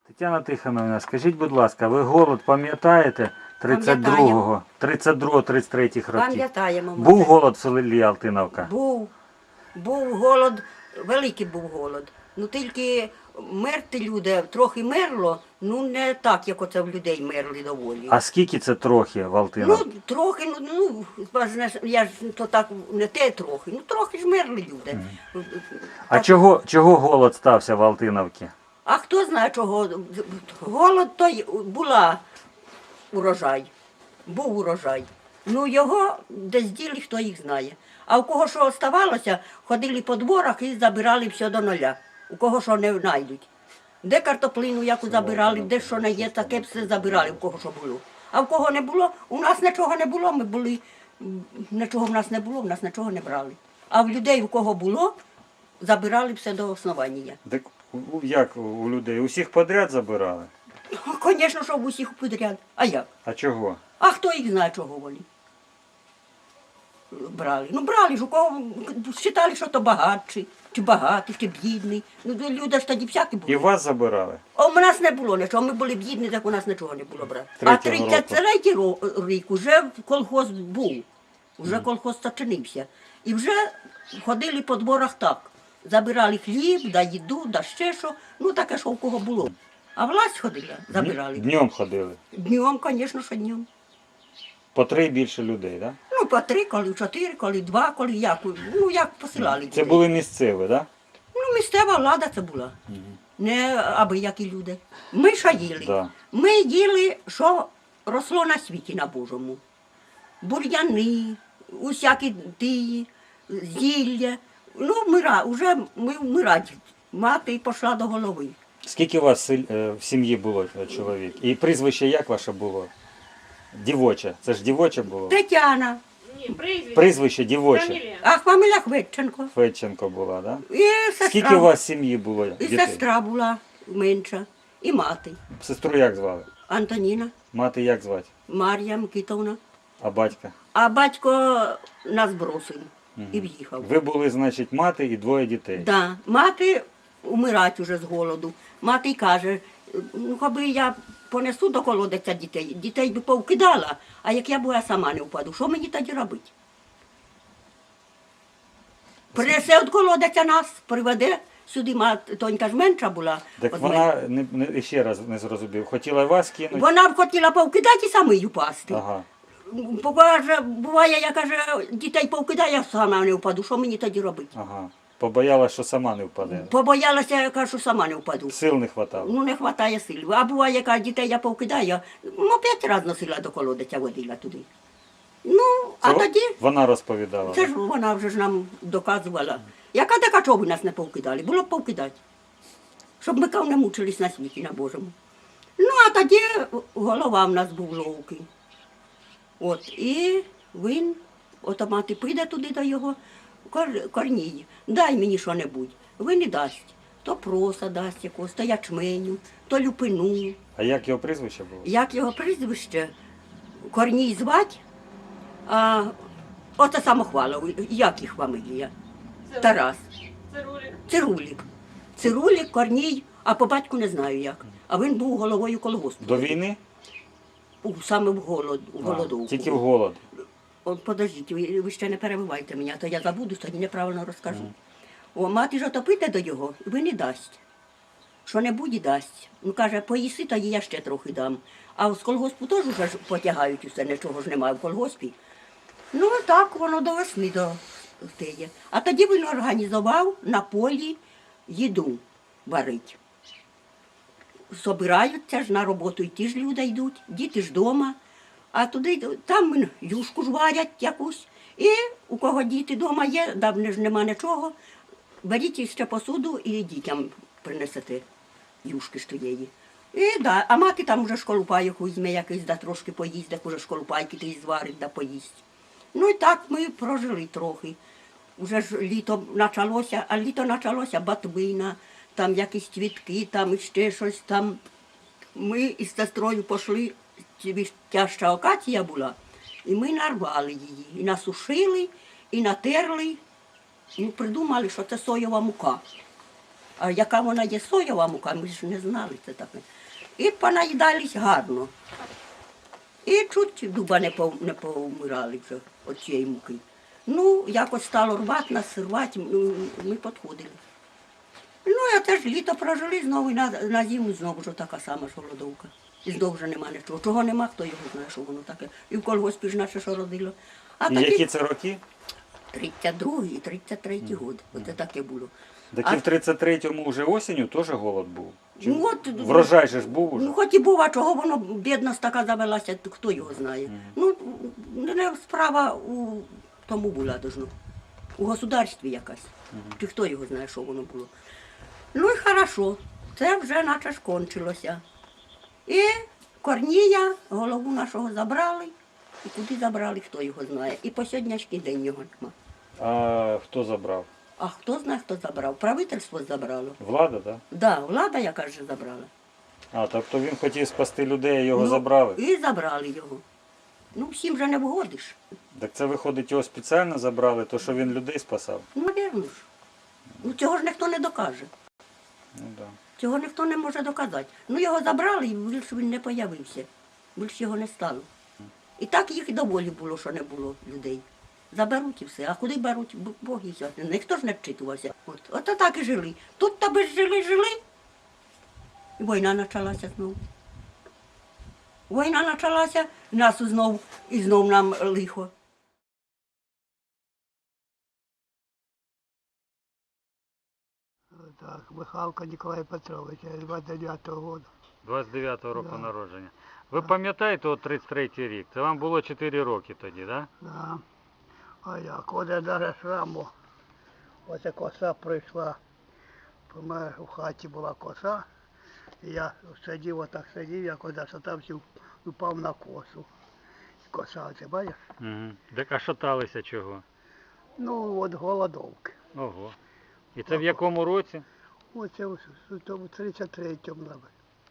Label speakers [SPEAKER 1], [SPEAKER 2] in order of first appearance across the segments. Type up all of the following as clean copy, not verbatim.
[SPEAKER 1] Тетяна Тихоновна, скажіть, будь ласка, ви голод пам'ятаєте 32-го, 32-33 років?
[SPEAKER 2] Пам'ятаємо. ми
[SPEAKER 1] Був
[SPEAKER 2] це.
[SPEAKER 1] голод в селі Алтиновка?
[SPEAKER 2] Був голод, великий був голод. Ну тільки мерти люди, трохи мерло, ну не так, як оце в людей мерли доволі.
[SPEAKER 1] А скільки це трохи в Алтиновці?
[SPEAKER 2] Ну, трохи, знаєш, я ж то так не те трохи, ну трохи ж мерли люди.
[SPEAKER 1] А чого голод стався в Алтиновці?
[SPEAKER 2] А хто знає чого? Голод той була урожай. Був урожай. Ну його десь діли, хто їх знає. А у кого що оставалося, ходили по дворах і забирали все до нуля. У кого що не знайдуть. Де картоплину яку забирали, де що не є, таке все забирали, у кого що було. А в кого не було, у нас нічого не було, ми були, нічого в нас не було, в нас нічого не брали. А в людей, у кого було, забирали все до основання.
[SPEAKER 1] Так як у людей? Усіх подряд забирали?
[SPEAKER 2] Звісно, що в усіх підряд. А як?
[SPEAKER 1] А чого?
[SPEAKER 2] А хто їх знає, чого вони? Брали. Ну брали ж, у кого вважали, що то багатші, чи багатий, чи бідний. Ну люди ж тоді всякі були.
[SPEAKER 1] І вас забирали?
[SPEAKER 2] А у нас не було нічого, ми були бідні, так у нас нічого не було брати. А 33-й рік вже колгосп був, вже колгосп зачинився. І вже ходили по дворах так. Забирали хліб, да їду, да ще що, ну таке, що у кого було. А власть ходила, забирали.
[SPEAKER 1] Днем ходили?
[SPEAKER 2] Днем, звісно, що днем.
[SPEAKER 1] По 3 більше людей, так?
[SPEAKER 2] Ну, по 3, коли 4, коли 2, коли як, ну як посилали
[SPEAKER 1] Це
[SPEAKER 2] дітей.
[SPEAKER 1] були місцеві, так?
[SPEAKER 2] Ну, місцева влада це була, не аби які люди. Ми що їли?
[SPEAKER 1] Да.
[SPEAKER 2] Ми їли, що росло на світі на Божому. Бур'яни, усякі тії, зілля. Ну, вже ми вмирати. Мати пішла до голови.
[SPEAKER 1] Скільки у вас в сім'ї було чоловік? І прізвище як ваше було? Дівоче. Це ж дівоче було?
[SPEAKER 2] Тетяна,
[SPEAKER 1] Прізвище дівоче.
[SPEAKER 2] а фамілія Хведченко.
[SPEAKER 1] Федченко була, так?
[SPEAKER 2] І сестра,
[SPEAKER 1] Скільки у вас в сім'ї було
[SPEAKER 2] і
[SPEAKER 1] дітей?
[SPEAKER 2] сестра була менша, і мати.
[SPEAKER 1] Сестру як звали?
[SPEAKER 2] Антоніна,
[SPEAKER 1] Мати як звати?
[SPEAKER 2] Мар'я Микитовна.
[SPEAKER 1] А батька?
[SPEAKER 2] А батько нас бросив і в'їхав.
[SPEAKER 1] Ви були, значить, мати і 2 дітей.
[SPEAKER 2] Да. Мати умирать уже з голоду. Мати й каже, ну аби я понесу до колодиця дітей би повкидала, а як я була сама не впаду, що мені тоді робити? Принесе від колодиця нас, приведе сюди, тонька ж менша була.
[SPEAKER 1] Так
[SPEAKER 2] від
[SPEAKER 1] вона,
[SPEAKER 2] мене.
[SPEAKER 1] ще раз не зрозумів, хотіла вас кинути?
[SPEAKER 2] Вона б хотіла повкидати і самий упасти.
[SPEAKER 1] Ага.
[SPEAKER 2] Буває, я каже, дітей повкидаю, я сама не впаду, що мені тоді робити?
[SPEAKER 1] Ага. Побоялась, що сама не впаде.
[SPEAKER 2] Побоялася, я кажу, сама не впаду.
[SPEAKER 1] Сил не хватало.
[SPEAKER 2] Ну, не вистачає сил. А буває, яка дітей я повкидаю, ну, 5 разів носила до колодиця, водила туди. Ну, а
[SPEAKER 1] Це
[SPEAKER 2] тоді,
[SPEAKER 1] вона розповідала.
[SPEAKER 2] це ж вона вже ж нам доказувала. Яка така, чого ви нас не повкидали? Було б повкидати. Щоб ми не мучились на світі, на Божому. Ну, а тоді голова в нас був ловкий. От, і він, ото мати піде туди до його, Корній, дай мені що-небудь. Він не дасть. То проса дасть якогось, то ячменю, то люпину.
[SPEAKER 1] А як його прізвище було?
[SPEAKER 2] Як його прізвище? Корній звать, а оце самохвалов, як їх фамилія? Тарас. Цирулік. Цирулік, Корній, а по батьку не знаю як. А він був головою колгоспу.
[SPEAKER 1] До війни?
[SPEAKER 2] Саме в голодовку.
[SPEAKER 1] Тільки в голод.
[SPEAKER 2] От, подождіть, ви ще не перебивайте мене, а то я забуду, тоді неправильно розкажу. О, мати ж отопите до його, ви не дасть. Що-небудь і дасть. Ну, каже, поїси, тоді я ще трохи дам. А з колгоспу теж вже ж потягають усе, нічого ж немає в колгоспі. Ну, так воно до весни до теє. А тоді він організував на полі їду варить. Собираються ж на роботу, і ті ж люди йдуть, діти ж вдома. А туди, там юшку ж варять якусь. І у кого діти вдома є, давно ж нема нічого, беріть ще посуду і дітям принесете юшки ж тієї. І да, а мати там вже школупайок візьме якийсь, да трошки поїсть, так уже школупайки ти зварить, да поїсть. Ну і так ми прожили трохи. Уже ж літо почалося, а літо почалося батвина, там якісь цвітки, там іще щось там. Ми із сестрою пішли, тяжча акація була, і ми нарвали її, і насушили, і натерли, і придумали, що це соєва мука. А яка вона є соєва мука, ми ж не знали це таке. І понаїдались гарно. І чуть дуба не повмирали вже від цієї муки. Ну, якось стало рвати нас, рвати, ми підходили. Ну, а теж літо прожили, знову і на зиму знову вже така сама ж голодовка. І знову вже нема нічого. Чого нема, хто його знає, що воно таке. І в колгоспі ж наше що родило. А
[SPEAKER 1] І які це роки?
[SPEAKER 2] 32-й і 33-й год. Оце таке було.
[SPEAKER 1] Так і в 33-му вже осінню теж голод був? Чи
[SPEAKER 2] Ну, от,
[SPEAKER 1] врожай же ж був уже?
[SPEAKER 2] Ну, хоч і був, а чого воно бідність така завелася, то хто його знає. Ну, не справа у тому була должно. У государстві якась. Чи хто його знає, що воно було. Ну і хорошо, це вже наче ж кончилося. І Корнія, голову нашого забрали, і куди забрали, хто його знає. І по сьогоднішній день його нема.
[SPEAKER 1] А хто забрав?
[SPEAKER 2] А хто знає, хто забрав? Правительство забрало.
[SPEAKER 1] Влада, так?
[SPEAKER 2] Да, влада, яка ж забрала.
[SPEAKER 1] А, тобто він хотів спасти людей, а його забрали?
[SPEAKER 2] І забрали його. Ну, всім же не вгодиш.
[SPEAKER 1] Так це виходить, його спеціально забрали, то що він людей спасав?
[SPEAKER 2] Ну, навірно ж. Ну, цього ж ніхто не докаже.
[SPEAKER 1] Ну так. Да.
[SPEAKER 2] Цього ніхто не може доказати. Ну, його забрали, і більше він не появився. Більше його не стало. І так їх і доволі було, що не було людей. Заберуть і все. А куди беруть, Бог і все. Ніхто ж не вчитувався. От так і жили. Тут тебе жили. І війна почалася знову. Війна почалася, нас знов, і знов нам лихо.
[SPEAKER 3] Так, Михалко Ніколай Петрович, 29-го року.
[SPEAKER 1] 29-го року
[SPEAKER 3] Да.
[SPEAKER 1] народження. Ви пам'ятаєте от 33-й рік? Це вам було 4 роки тоді, так? Да?
[SPEAKER 3] Да. А як, оде даже шраму. Оце коса прийшла. У мене в хаті була коса. І я сидів, отак сидів, як оде шатався, упав на косу. Коса, оце бачиш?
[SPEAKER 1] Угу. Так а шаталися чого?
[SPEAKER 3] Ну, от голодовки.
[SPEAKER 1] Ого. І це в якому році?
[SPEAKER 3] Оце в 33-му, мабуть.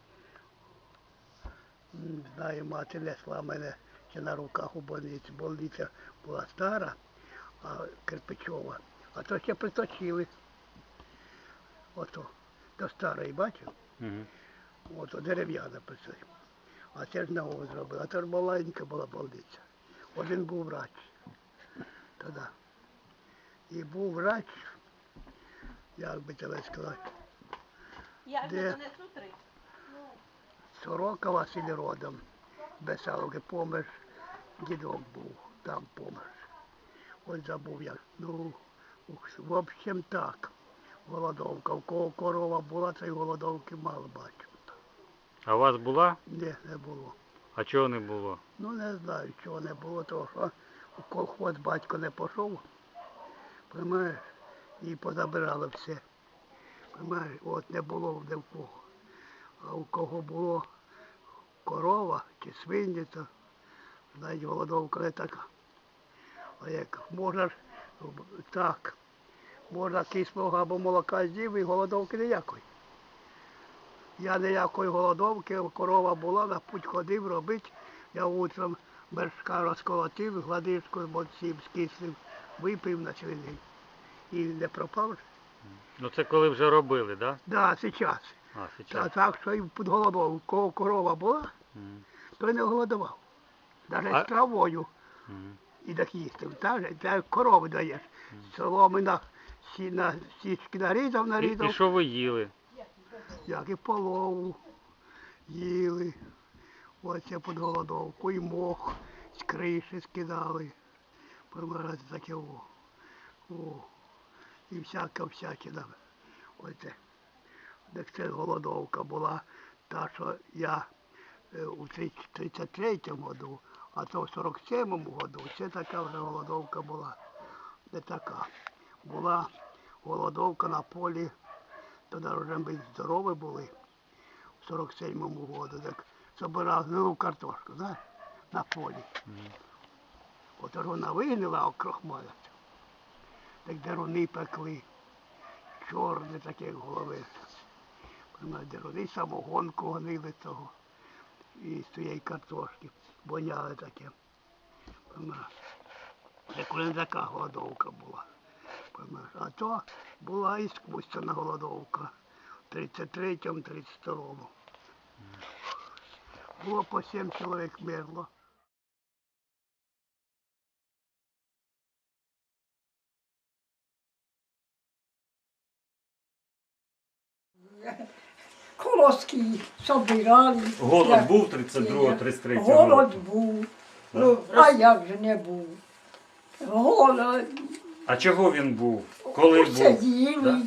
[SPEAKER 3] Не знаю, мати несла мене ще на руках у больниці. Больниця була стара, а кирпичова. А то ще приточили. Ото, до старої, бачив?
[SPEAKER 1] Угу.
[SPEAKER 3] Ото дерев'яна приточила. А це ж нову зробили. А то ж маленька була больниця. Один був врач. Тоді. І був врач, як би тебе сказати, де Сорока Василь родом, Бесаловки, помер, дідок був, там помер. Ось забув як. Ну, в общем так, голодовка. У кого корова була, цієї голодовки мало бачив.
[SPEAKER 1] А у вас була?
[SPEAKER 3] Ні, не було.
[SPEAKER 1] А чого не було?
[SPEAKER 3] Ну не знаю, чого не було, тому що у колхоз батько не пішов, розумієш, і позабирали все. Розумієш, от не було ні в кого. А у кого було корова чи свині, то, знаєте, голодовка не така. А як можна ж так, можна кислого або молока з'їв і голодовки ніякої. Я ніякої голодовки, корова була, на путь ходив робити. Я утром вершка розколотив, гладишку з боців скислив, випив на цілий день. І не пропав.
[SPEAKER 1] Ну це коли вже робили, так?
[SPEAKER 3] Да, зараз.
[SPEAKER 1] А,
[SPEAKER 3] Та
[SPEAKER 1] зараз.
[SPEAKER 3] так, що і під голодовку. Кого корова була,
[SPEAKER 1] Угу.
[SPEAKER 3] той не голодував. Навіть
[SPEAKER 1] А-
[SPEAKER 3] з травою
[SPEAKER 1] Угу.
[SPEAKER 3] і так їсти. Та корови даєш. Соломи на січки нарізав,
[SPEAKER 1] І що ви їли?
[SPEAKER 3] як і полову їли. Оце під голодовку. І мох з криші скидали. Помирати таке о. І всяке. Оце. Так це голодовка була та, що я у 33-му году, а то в 47-му году, це така вже голодовка була. Не така. Була голодовка на полі, тоді вже ми здорові були, в 47-му году, так збирали гнилу картошку, знаєш, на полі. От ж вона вигнила окрохмаляться. Так деруни пекли, чорні такі як голови. Деруни самогонку гонили того. І з цієї картошки воняли таке. Це коли не така голодовка була. А то була іскусственна голодовка. 33-му, 32-му. Було по 7 чоловік мерло.
[SPEAKER 4] Колоски собирали.
[SPEAKER 1] Голод був 32-33
[SPEAKER 4] Голод
[SPEAKER 1] року?
[SPEAKER 4] був.
[SPEAKER 1] Да?
[SPEAKER 4] Ну, а як же не був? Голод.
[SPEAKER 1] А чого він був? Коли
[SPEAKER 4] Усе
[SPEAKER 1] був?
[SPEAKER 4] їли.
[SPEAKER 1] Да?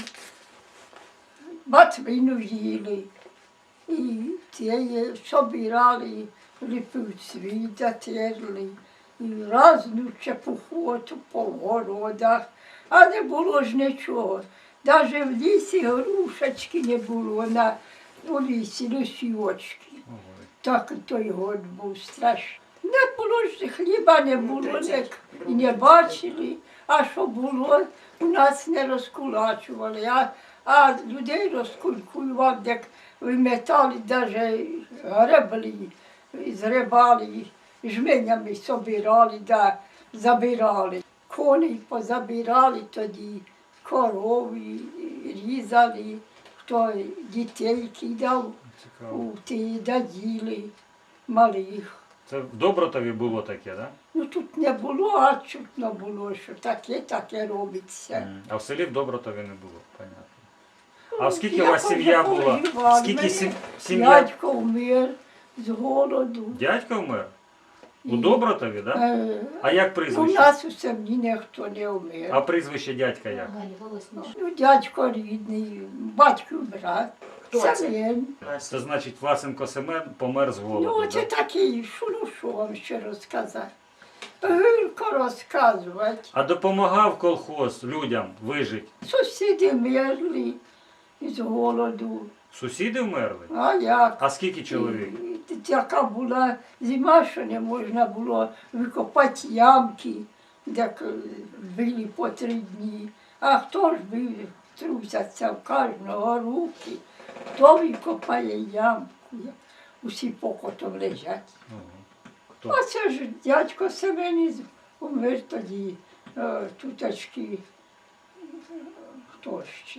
[SPEAKER 4] Батвину їли. І ті собирали, липівці, затерли. І разну чепуху по городах. А не було ж нічого. Навіть в лісі грушечки не було у лісі, лисівочки. Так той год був страшний. Не було ж хліба, не було, і не бачили. А що було, у нас не розкулачували. А людей розкулькував, як виметали, навіть гребли, зрибали, жменями собирали, да забирали. Коней позабирали тоді, корови різали, хто дітей кидав, у ті даділи малих.
[SPEAKER 1] Це в Добротові було таке, так? Да?
[SPEAKER 4] Ну тут не було, а чутно було, що таке робиться.
[SPEAKER 1] А в селі в Добротові не було, понятно. А скільки
[SPEAKER 4] Я
[SPEAKER 1] у вас сім'я
[SPEAKER 4] вже
[SPEAKER 1] була?
[SPEAKER 4] поживала.
[SPEAKER 1] Скільки
[SPEAKER 4] Мене
[SPEAKER 1] сім'я?
[SPEAKER 4] Дядько вмер з голоду.
[SPEAKER 1] Дядько вмер? У
[SPEAKER 4] І-
[SPEAKER 1] Добротові, так? Да? А як
[SPEAKER 4] У
[SPEAKER 1] прізвище?
[SPEAKER 4] нас у селі ніхто не вмер.
[SPEAKER 1] А прізвище дядька як?
[SPEAKER 4] Ну, дядько рідний, батько брат. Семен.
[SPEAKER 1] Це значить Власенко Семен помер з голоду,
[SPEAKER 4] Ну, це
[SPEAKER 1] да?
[SPEAKER 4] такий, що вам ще розказати. Гірко розказувати.
[SPEAKER 1] А допомагав колхоз людям вижити?
[SPEAKER 4] Сусіди мерли з голоду.
[SPEAKER 1] Сусіди вмерли?
[SPEAKER 4] А як?
[SPEAKER 1] А скільки чоловік?
[SPEAKER 4] Така була зима, що не можна було викопати ямки, де били по 3 дні. А хто ж бив, трусяться в кожного руки, хто викопає ямку, усі покотом лежать.
[SPEAKER 1] Хто?
[SPEAKER 4] А це ж дядько Семен умер тоді, туточки, хто ще?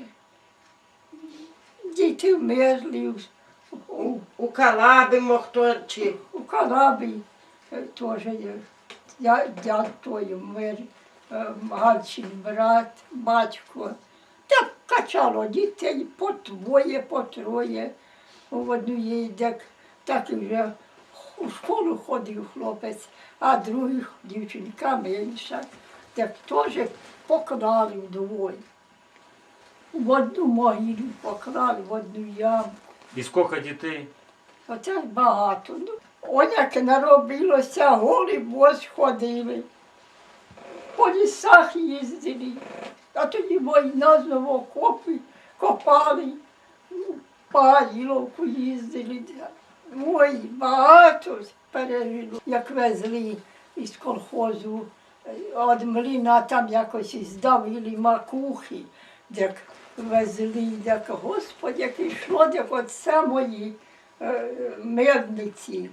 [SPEAKER 4] Діти вмерли
[SPEAKER 5] У Калабі хто чи
[SPEAKER 4] у Калабі, теж дядь той умер, Галчин брат, батько. Так качало дітей по 2, по 3. В однієї, так і вже у школу ходив хлопець, а других дівчинка менша, так теж поклали вдвоє. В одну могилу поклали, в одну яму.
[SPEAKER 1] І скільки дітей?
[SPEAKER 4] Оце багато. Ну, он як наробилося, голі бос ходили, по лісах їздили, а тоді війна знову окопи копали, по Гайловку їздили. Ой, багато пережило. Як везли із колхозу, від млина там якось здавили макухи, як везли, як, Господи, як йшло, як от самої медниці.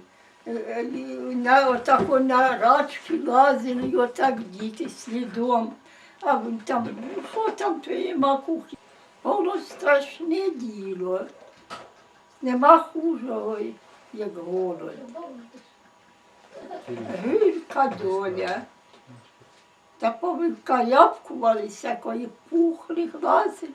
[SPEAKER 4] Отако на рачки лазили, і отак діти слідом. А він там, ну що там твої макухи? Воно страшне діло. Нема хужого, як голод. Гірка доля. Та повикаяпкувалися, якої пухли, глазили.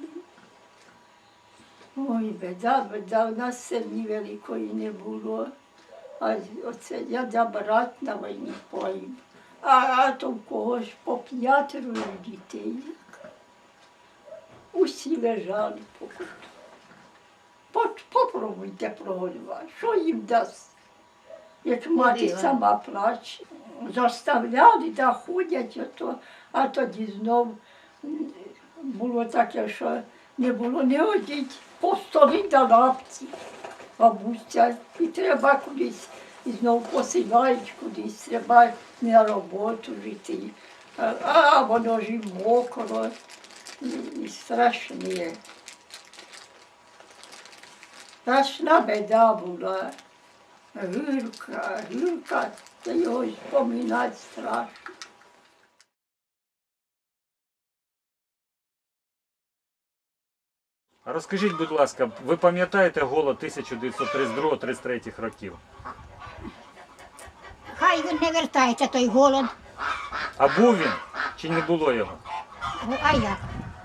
[SPEAKER 4] Ой, беда, у нас сім'ї великої не було. А оце я брат на війні погиб. А то в когось по 5 дітей. Усі лежали по куту. Попробуйте проголювати, що їм дасть, як мати сама плаче. Заставляли, да ходять, а тоді знов було таке, що не було не одіть, по столі да лапці, бабуся, і треба кудись, і знов посилають кудись, треба на роботу жити. А воно ж і мокро, і страшне. Страшна біда була, гірка, та його споминати страшно.
[SPEAKER 1] А розкажіть, будь ласка, ви пам'ятаєте голод 1932-33 років?
[SPEAKER 6] Хай він не вертається, той голод.
[SPEAKER 1] А був він чи не було його?
[SPEAKER 6] А як?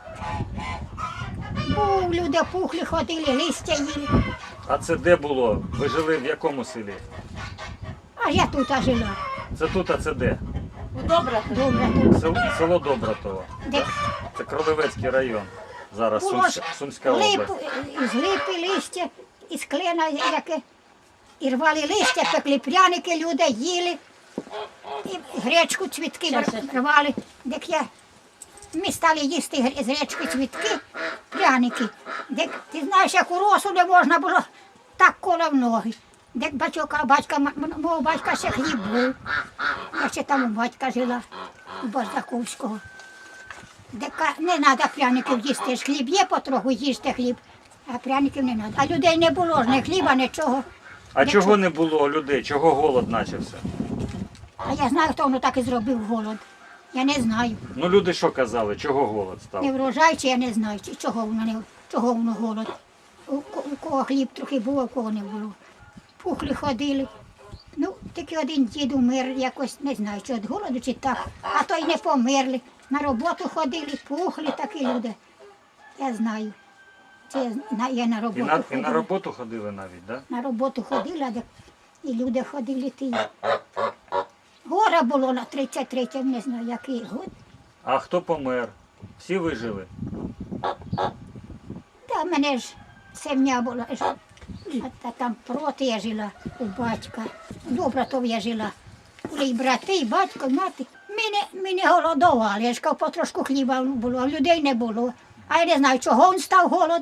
[SPEAKER 6] Був, люди пухли, ходили, листя їли.
[SPEAKER 1] А це де було? Ви жили в якому селі?
[SPEAKER 6] А я тут жила.
[SPEAKER 1] Це тут, а це де?
[SPEAKER 6] Добре тут.
[SPEAKER 1] Село Добратово.
[SPEAKER 6] Де
[SPEAKER 1] Це Кролевецький район. Зараз
[SPEAKER 6] було ж
[SPEAKER 1] Сумська область.
[SPEAKER 6] з липи листя, із клена яке. І рвали листя, пекли пряники, люди їли. І гречку, цвітки рвали. Ми стали їсти з гречки цвітки, пряники. Ти знаєш, як у росу не можна було так коло в ноги. Мого батька ще хліб був. Я ще там у батька жила, у Бардаковського. Не треба пряників їсти, ж хліб є потроху, їжте хліб, а пряників не треба. А людей не було ж, ні хліба, нічого.
[SPEAKER 1] А чого не було людей? Чого голод почався?
[SPEAKER 6] А я знаю, хто воно так і зробив голод. Я не знаю.
[SPEAKER 1] Ну люди що казали? Чого голод став?
[SPEAKER 6] Не врожай, чи я не знаю, чи чого воно голод. У кого хліб трохи був, а у кого не було. Пухли ходили. Ну, тільки один дід умер, якось не знаю, чи від голоду, чи так. А то й не померли. На роботу ходили, пухли такі люди. Я знаю. Це я на роботу ходила.
[SPEAKER 1] І на роботу ходили навіть, так? Да?
[SPEAKER 6] На роботу ходила, і люди ходили ті. Горе було на 33-му, не знаю, який год.
[SPEAKER 1] А хто помер? Всі вижили?
[SPEAKER 6] Та мене ж сім'я була. А там проти я жила у батька. Добратов я жила. Були і брати, і батько, і мати. Ми не голодували, я ж кажу, потрошку хліба було, а людей не було. А я не знаю, чого він став голод.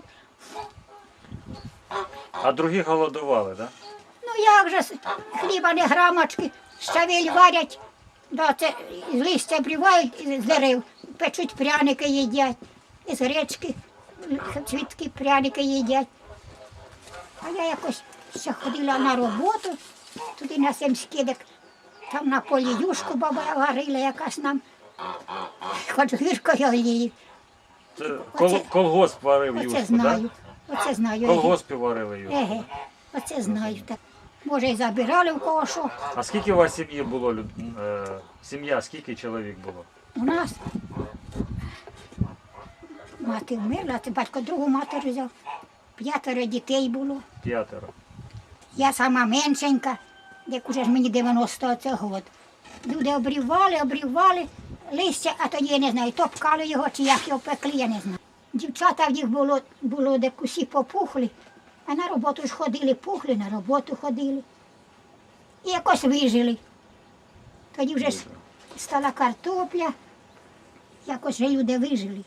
[SPEAKER 1] А другі голодували, так? Да?
[SPEAKER 6] Ну як же, хліба не грамочки, щавель варять, да, це з листя обрівають з дерев, печуть пряники їдять, із гречки, цвітки пряники їдять. А я якось ще ходила на роботу, туди на Семський, там на полі юшку баба варила якась нам, хоч гіркою олії.
[SPEAKER 1] Це колгосп варив
[SPEAKER 6] Оце
[SPEAKER 1] юшку, так?
[SPEAKER 6] знаю, оце знаю.
[SPEAKER 1] Колгоспі варили юшку.
[SPEAKER 6] Еге, оце знаю. Так. Може, і забирали в кого що.
[SPEAKER 1] А скільки у вас сім'ї було? Сім'я, скільки чоловік було?
[SPEAKER 6] У нас мати вмерла, це батько другу матір взяв. 5 дітей було.
[SPEAKER 1] 5.
[SPEAKER 6] Я сама меншенька, як уже ж мені 90 це год. Люди обрівали листя, а тоді я не знаю, топкали його чи як його пекли, я не знаю. Дівчата в їх було де усі попухли, а на роботу ж ходили, пухли, на роботу ходили. І якось вижили. Тоді вже стала картопля, якось вже люди вижили.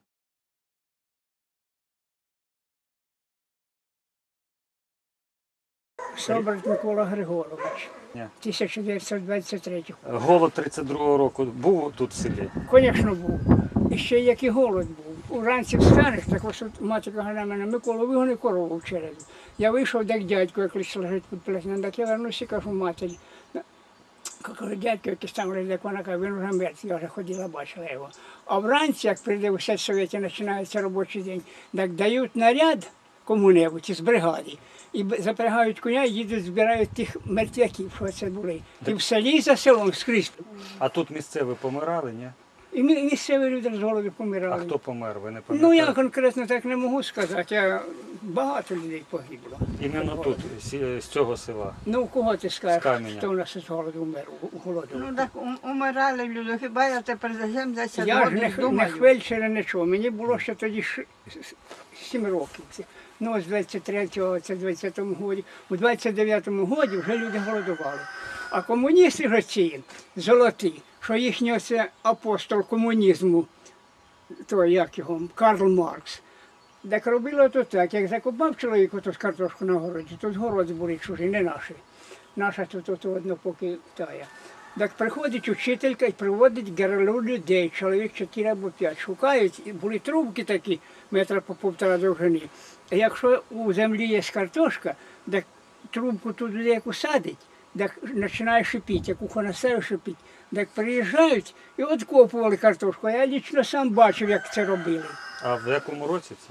[SPEAKER 7] Соболь Микола Григорович,
[SPEAKER 1] Ні.
[SPEAKER 7] 1923.
[SPEAKER 1] Голод 32-го року був тут в селі?
[SPEAKER 7] Звісно, був. І ще як і голод був. Уранці встанеш, так ось от мати каже на мене, Микола, вигони корову в череду. Я вийшов, як дядько якийсь лежить під плетнем, так я вернуся і кажу матері. Кажу, дядько якийсь там лежить, як вона каже, він вже мертвий, я вже ходила, бачила його. А вранці, як прийде у сельсовєті, починається робочий день, так дають наряд кому-небудь із бригади. І запрягають коня, їдуть, збирають тих мертвяків, що це були. І в селі, і за селом скрізь.
[SPEAKER 1] А тут місцеві помирали, ні?
[SPEAKER 7] І місцеві люди з голоду
[SPEAKER 1] А
[SPEAKER 7] помирали.
[SPEAKER 1] хто помер, ви не
[SPEAKER 7] Ну,
[SPEAKER 1] пам'ятаєте?
[SPEAKER 7] я конкретно так не можу сказати, багато людей погибло.
[SPEAKER 1] Іменно тут, з цього села.
[SPEAKER 7] Ну, кого ти
[SPEAKER 1] З
[SPEAKER 7] скажеш,
[SPEAKER 1] Каменя.
[SPEAKER 7] хто у нас із голоду умер, у голоду?
[SPEAKER 5] Ну так умирали люди, хіба я тепер за 70
[SPEAKER 7] Я ж
[SPEAKER 5] років
[SPEAKER 7] не
[SPEAKER 5] думаю.
[SPEAKER 7] фельдшера, нічого, мені було ще тоді 7 років. Ну, з 23-го, це 20-му годі. У 29-му годі вже люди голодували. А комуністи ж ці, золоті, що їхній оце апостол комунізму, то як його, Карл Маркс, так робило то так, як закопав чоловік оту картошку на городі, тут городи були чужі, не наші. Наша тут одно поки тая. Так приходить учителька і приводить герлу людей, чоловік 4 або 5. Шукають, і були трубки такі, метра по 1,5 довжини. А якщо у землі є картошка, так трубку туди яку садить, так починає шипіти, як ухо наставив шипіть. Так приїжджають і откопували картошку. Я лічно сам бачив, як це робили.
[SPEAKER 1] А в якому році це?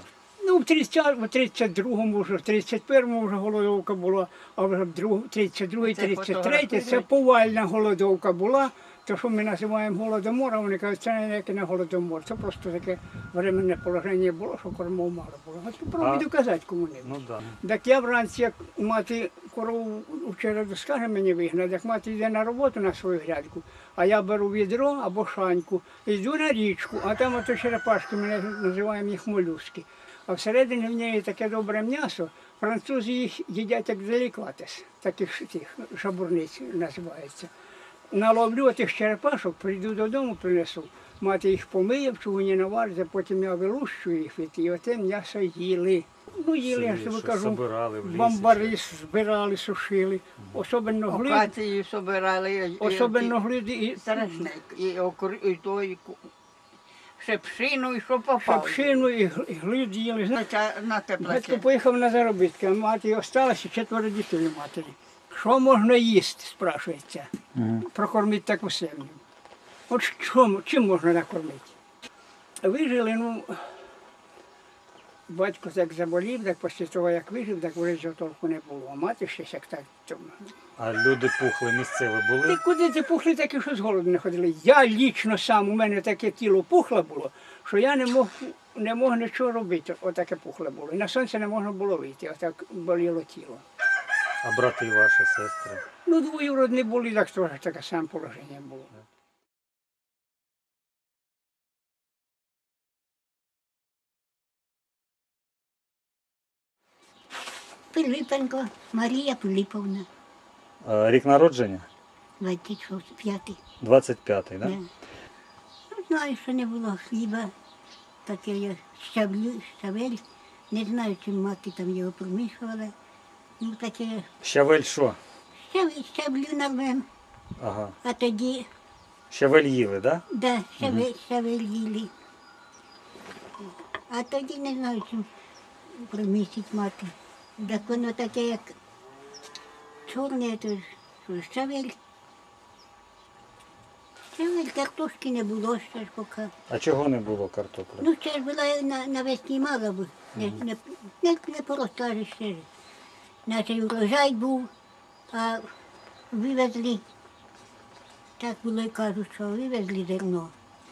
[SPEAKER 7] Ну, в 32-му вже, в 31-му вже голодовка була, а вже в 32-й, 33-й це повальна голодовка була. То, що ми називаємо голодомор, вони кажуть, це ніякий не голодомор. Це просто таке временне положення було, що кормов мало було. А попробуй доказати комунізм.
[SPEAKER 1] Ну да.
[SPEAKER 7] Так я вранці, як мати корову вчора скаже мені вигнати, як мати йде на роботу на свою грядку, а я беру відро або шаньку, йду на річку, а там ото черепашки, ми називаємо їх молюски. А всередині в неї таке добре м'ясо, французи їх їдять як делікатес, таких тих шабурниць називається. Наловлю тих черепашок, прийду додому, принесу. Мати їх помиє, в чугуні навариться, потім я вилущую їх і оте м'ясо їли. Ну, їли, я ж тобі
[SPEAKER 1] Що
[SPEAKER 7] кажу,
[SPEAKER 1] собирали в лісі,
[SPEAKER 7] бамбари збирали, сушили. Особенно глид,
[SPEAKER 5] Окацію собирали.
[SPEAKER 7] особенно глиди і
[SPEAKER 5] Страшне. І той шепшину, і що попало.
[SPEAKER 7] шапшину, і глид їли.
[SPEAKER 5] На
[SPEAKER 7] Батько
[SPEAKER 5] теплаке.
[SPEAKER 7] поїхав на заробітки, а мати осталася, 4 дітей у матері. Що можна їсти, спрашується. Прокормити таку сім'ю. От чим можна накормити? Вижили, ну, батько так заболів, так після того, як вижив, так вже цього толку не було. А мати ще як так.
[SPEAKER 1] А люди пухли місцеві
[SPEAKER 7] Ти
[SPEAKER 1] були?
[SPEAKER 7] куди ти пухли, такі, що з голоду не ходили. Я лічно сам, у мене таке тіло пухле було, що я не мог нічого робити, отаке пухле було. І на сонце не можна було вийти, отак боліло тіло.
[SPEAKER 1] А брати ваші, сестри?
[SPEAKER 7] Ну, двоюродні були, так теж таке саме положення було.
[SPEAKER 6] Пилипенко Марія Пилиповна,
[SPEAKER 1] Рік народження?
[SPEAKER 6] 25-й.
[SPEAKER 1] 25-й, да?
[SPEAKER 6] Да. Ну, знаю, що не було хліба, таке я щавель, не знаю, чим мати там його промішувала. Ну, таке
[SPEAKER 1] Щавель що?
[SPEAKER 6] щавлю нарвем,
[SPEAKER 1] Ага.
[SPEAKER 6] а тоді,
[SPEAKER 1] Щавель їли, да?
[SPEAKER 6] да, щавель їли. А тоді не знаю, чим промісить мати. Так воно таке, як чорне, то ж щавель. Щавель, картошки не було ще ж поки.
[SPEAKER 1] А чого не було картоплі?
[SPEAKER 6] Ну, ще ж була навесні мало б, не поростали ще ж. Наш урожай був, а вивезли, так було і кажуть, що вивезли зерно.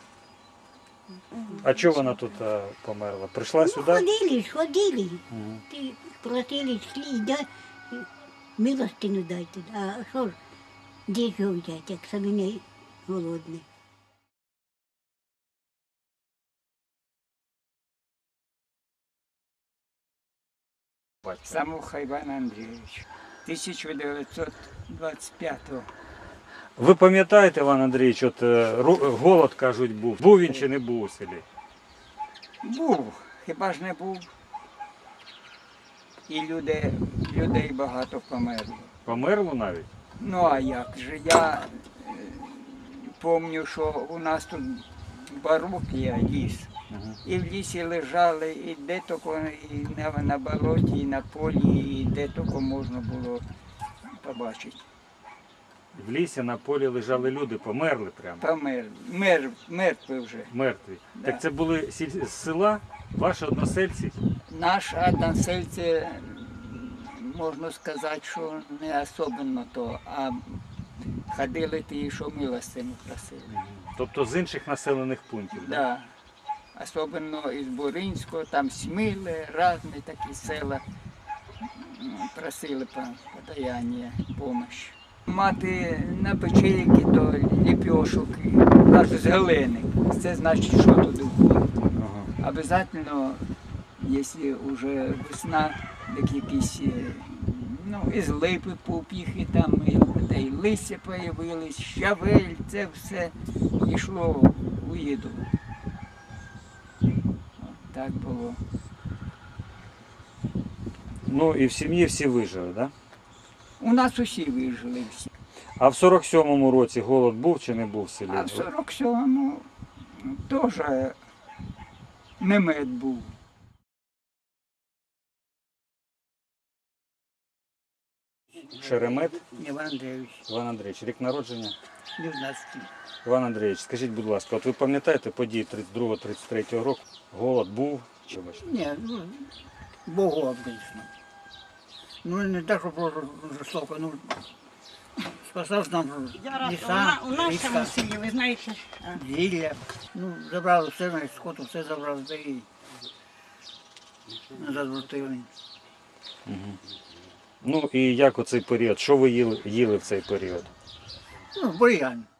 [SPEAKER 1] А чого вона тут померла? Прийшла
[SPEAKER 6] Ну,
[SPEAKER 1] сюди?
[SPEAKER 6] ходили. Ти просили, йшли, милостину дайте. А що ж, де ж його взяти, як самі не голодні.
[SPEAKER 8] Самуха Іван Андрійович, 1925-го.
[SPEAKER 1] Ви пам'ятаєте, Іван Андрійович, от голод, кажуть, був. Був він чи не був у селі?
[SPEAKER 8] Був, хіба ж не був. І людей багато померло.
[SPEAKER 1] Померло навіть?
[SPEAKER 8] Ну а як же, я пам'ятаю, що у нас тут барук є, ліс. І в лісі лежали, і де тільки і на болоті, і на полі, і де тільки можна було побачити.
[SPEAKER 1] В лісі на полі лежали люди, померли прямо.
[SPEAKER 8] Мертві вже.
[SPEAKER 1] Мертві.
[SPEAKER 8] Да.
[SPEAKER 1] Так це були з села, ваші односельці?
[SPEAKER 8] Наш односельці, можна сказати, що не особливо то, а ходили ті, що милостину просили.
[SPEAKER 1] Тобто з інших населених пунктів? Да?
[SPEAKER 8] Да. Особливо із Буринського, там Сміли, різні такі села просили подаяння, допомоги. Мати на печейки до ліпьошок, аж з глини. Це значить, що туди входить.
[SPEAKER 1] Ага.
[SPEAKER 8] Обязательно, якщо вже весна, так якісь, ну, із липи попіхи, там і листя появились, щавель, це все йшло у їду. От так було.
[SPEAKER 1] Ну і в сім'ї всі вижили, так? Да?
[SPEAKER 8] У нас усі вижили всі.
[SPEAKER 1] А в 47-му році голод був чи не був в селі?
[SPEAKER 8] А в 47-му теж немед був.
[SPEAKER 1] Шеремет
[SPEAKER 8] Іван Андрійович,
[SPEAKER 1] Іван Андрійович, рік народження.
[SPEAKER 8] 19.
[SPEAKER 1] Іван Андрійович, скажіть, будь ласка, от ви пам'ятаєте події 32-33 року? Голод був Чомусь.
[SPEAKER 9] Ні, ну, Богу обично. Ну, не те, що просто жорстоко, ну, спасав нам ліса,
[SPEAKER 5] У нашому
[SPEAKER 9] річка,
[SPEAKER 5] селі, ви знаєте,
[SPEAKER 9] зілля. Ну, забрали все, навіть скоту, все забрали, та і назад вертили.
[SPEAKER 1] Ну і як у цей період? Що ви їли в цей період?
[SPEAKER 9] Ну, бур'ян.